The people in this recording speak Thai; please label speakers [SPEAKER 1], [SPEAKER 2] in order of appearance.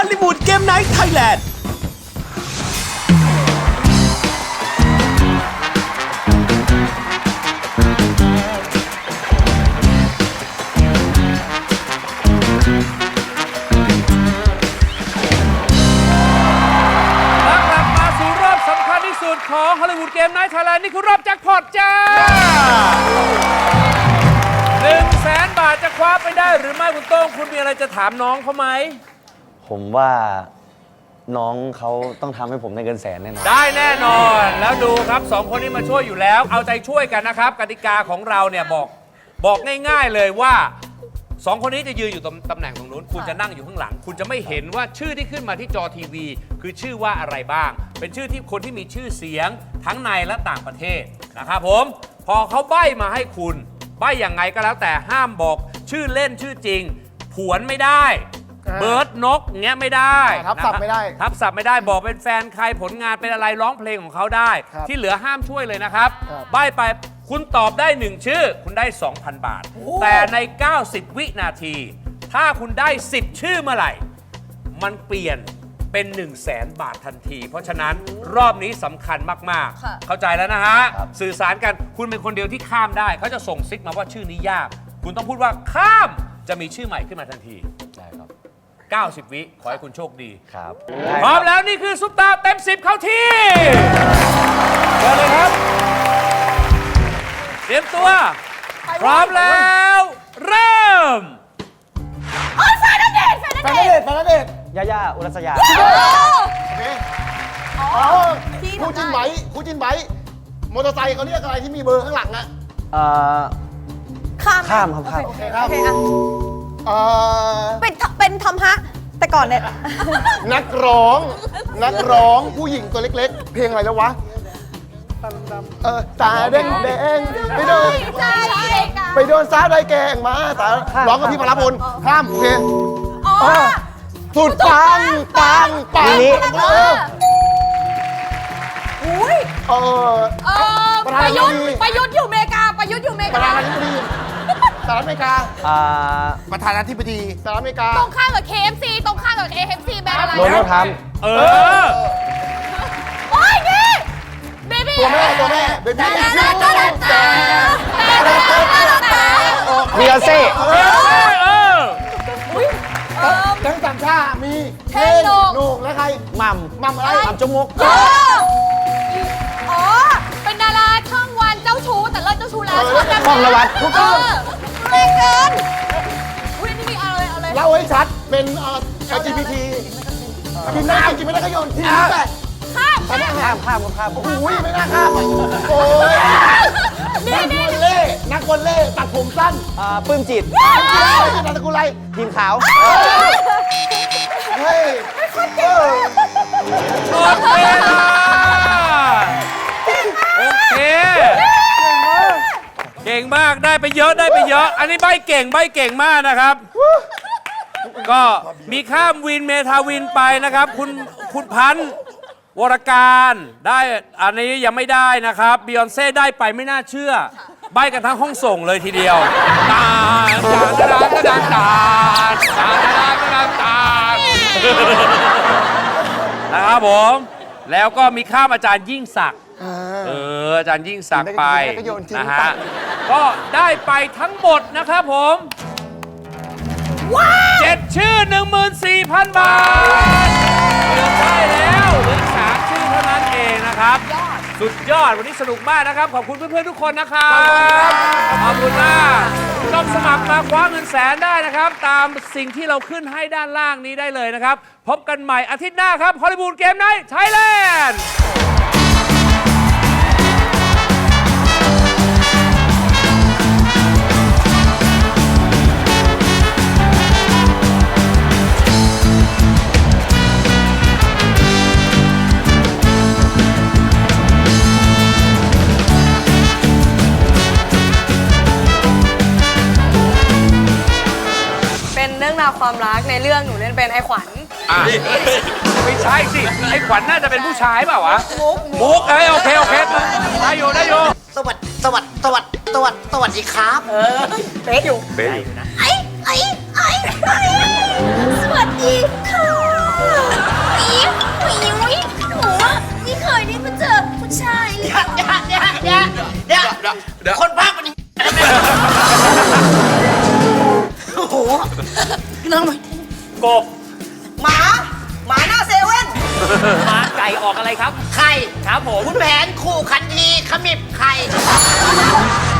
[SPEAKER 1] อลลีวูดเกมไนท์ไทยแลนด์
[SPEAKER 2] ของฮอลลีวูดเกมไนท์ไทยแลนด์นี่คือรอบแจ็คพอตจ้า 100,000 บาทจะคว้าไปได้หรือไม่คุณโต้งคุณมีอะไรจะถามน้องเขาไหม
[SPEAKER 3] ผมว่าน้องเขาต้องทำให้ผมได้เงินแสนแน่นอน
[SPEAKER 2] ได้แน่นอนแล้วดูครับ2คนนี้มาช่วยอยู่แล้วเอาใจช่วยกันนะครับกติกาของเราเนี่ยบอกง่ายๆเลยว่า2 คนนี้จะยืนอยู่ตำแหน่งตรงนู้นคุณจะนั่งอยู่ข้างหลังคุณจะไม่เห็นว่าชื่อที่ขึ้นมาที่จอทีวีคือชื่อว่าอะไรบ้างเป็นชื่อที่คนที่มีชื่อเสียงทั้งในและต่างประเทศนะครับผมพอเขาใบ้มาให้คุณใบ้อย่างไงก็แล้วแต่ห้ามบอกชื่อเล่นชื่อจริงผวนไม่ได้เบิร์ดนกเงี้ยไม่ได้
[SPEAKER 4] ทับศัพท์ไม่ได้
[SPEAKER 2] ทับศัพท์ไม่ได้บอกเป็นแฟนใครผลงานเป็นอะไรร้องเพลงของเขาได้ที่เหลือห้ามช่วยเลยนะครับใบ้ไปคุณตอบได้1ชื่อคุณได้ 2,000 บาทแต่ใน90วินาทีถ้าคุณได้10ชื่อเมื่อไหร่มันเปลี่ยนเป็น100,000 บาททันทีเพราะฉะนั้นรอบนี้สำคัญมากๆเข้าใจแล้วนะฮะสื่อสารกันคุณเป็นคนเดียวที่ข้ามได้เขาจะส่งซิกมาว่าชื่อนี้ยากคุณต้องพูดว่าข้ามจะมีชื่อใหม่ขึ้นมาทันที
[SPEAKER 3] ได้ครับ
[SPEAKER 2] 90 วิขอให้คุณโชคดี
[SPEAKER 3] ครับ
[SPEAKER 2] พร้อมแล้วนี่คือซุปตาเต็ม10เข้าที่เชิญเลยครับเตรียมตัวพร้อมแล้วเริ่ม
[SPEAKER 4] แฟนณเดชน์
[SPEAKER 3] ย่าอุรัสยา
[SPEAKER 4] คู่จินไบมอเตอร์ไซค์เขาเรียกอะไรที่มีเบอร์ข้างหลังอะ
[SPEAKER 3] ข้ามครับข้าม
[SPEAKER 4] โอเคครับ
[SPEAKER 5] เป็นทอมฮะแต่ก่อนเนี่ย
[SPEAKER 4] นักร้องผู้หญิงตัวเล็กๆเพลงอะไรแล้ววะตาแดงไปโดนสาวได้แกงมาตาร้องกับพี่พลพลข้ามเพลงสุดปัง
[SPEAKER 5] อุ้ยประยุทธ์อยู่อเมริกา
[SPEAKER 4] ประธานาธิบดีสหรัฐอเมริกาประธานาธิบดีสหรัฐอเมริกา
[SPEAKER 5] ตรงข้ามกับ KFC ตรงข้ามกับ KFC แบรนด์อะไร
[SPEAKER 3] โดนัลด์ทรัมป์
[SPEAKER 5] โอ้ยนี่เบบี้
[SPEAKER 4] ตัวแม่เบบี้
[SPEAKER 3] บิยอนเซ่
[SPEAKER 4] ทั้งสามชามีเทนโหนกและใคร
[SPEAKER 3] มัม
[SPEAKER 4] อะไร
[SPEAKER 3] มัมจมก
[SPEAKER 5] เป็นดาราช่องวันเจ้าชู้แต่เลิกเจ้าชู้แล้ว
[SPEAKER 3] ช่องละวัด
[SPEAKER 4] ทุกคน
[SPEAKER 5] แรงเกินอุ้ยนี่มีอะไร
[SPEAKER 4] เล่าให้ชัดเป็น LGBT กินได้กินไม่ได้ก็โยนทิ้งไป
[SPEAKER 5] ข้าม
[SPEAKER 4] โอ้ยไม่น่าข้ามโอ้ยนักวอลเล่ตัดผมสั้น
[SPEAKER 3] ปื้มจิต
[SPEAKER 4] นามสกุลอะไร
[SPEAKER 3] ทีมขาว
[SPEAKER 4] เฮ้ย
[SPEAKER 2] โอเคเก่งมากได้ไปเยอะอันนี้ใบเก่งมากนะครับก็มีข้ามวินเมทาวินไปนะครับคุณพันธ์วรการได้อันนี้ยังไม่ได้นะครับบิยอนเซ่ได้ไปไม่น่าเชื่อใบกันทั้งห้องส่งเลยทีเดียวตานะครับผมแล้วก็มีข้ามอาจารย์ยิ่งศักดิ์อาจารย์ยิ่งศักดิ์ไปนะฮะก็ได้ไปทั้งหมดนะครับผม7 ชื่อ 14,000 บาทเกือบได้แล้วเหลือ3 ชื่อเท่านั้นเองนะครับสุดยอดวันนี้สนุกมากนะครับขอบคุณเพื่อนๆทุกคนนะครับขอบคุณมากต้องสมัครมาคว้าเงินแสนได้นะครับตามสิ่งที่เราขึ้นให้ด้านล่างนี้ได้เลยนะครับพบกันใหม่อาทิตย์หน้าครับฮอลลีวูดเกมไนท์ไทยแลนด์
[SPEAKER 5] เรื่องราวความรักในเรื่องหนูเล่นเป็นไอ้ขวัญ
[SPEAKER 2] ไม่ใช่สิไอ้ขวัญน่าจะเป็นผู้ชายเปล่าวะมุกโอเคได้อยู่
[SPEAKER 4] สวัสดีครับ
[SPEAKER 5] เป๊ะอยู่นะไอ้สวัสดีค่ะ
[SPEAKER 6] เดี๋ยวคนภาคเป็นยังไงโอ้โหน้อง
[SPEAKER 2] กบ
[SPEAKER 6] หมาหน้าเซเว่น
[SPEAKER 7] หมาไก่ออกอะไรครับ
[SPEAKER 6] ไข่
[SPEAKER 7] ครับผม
[SPEAKER 6] คุณแผนขู่คันทีขมิบไข่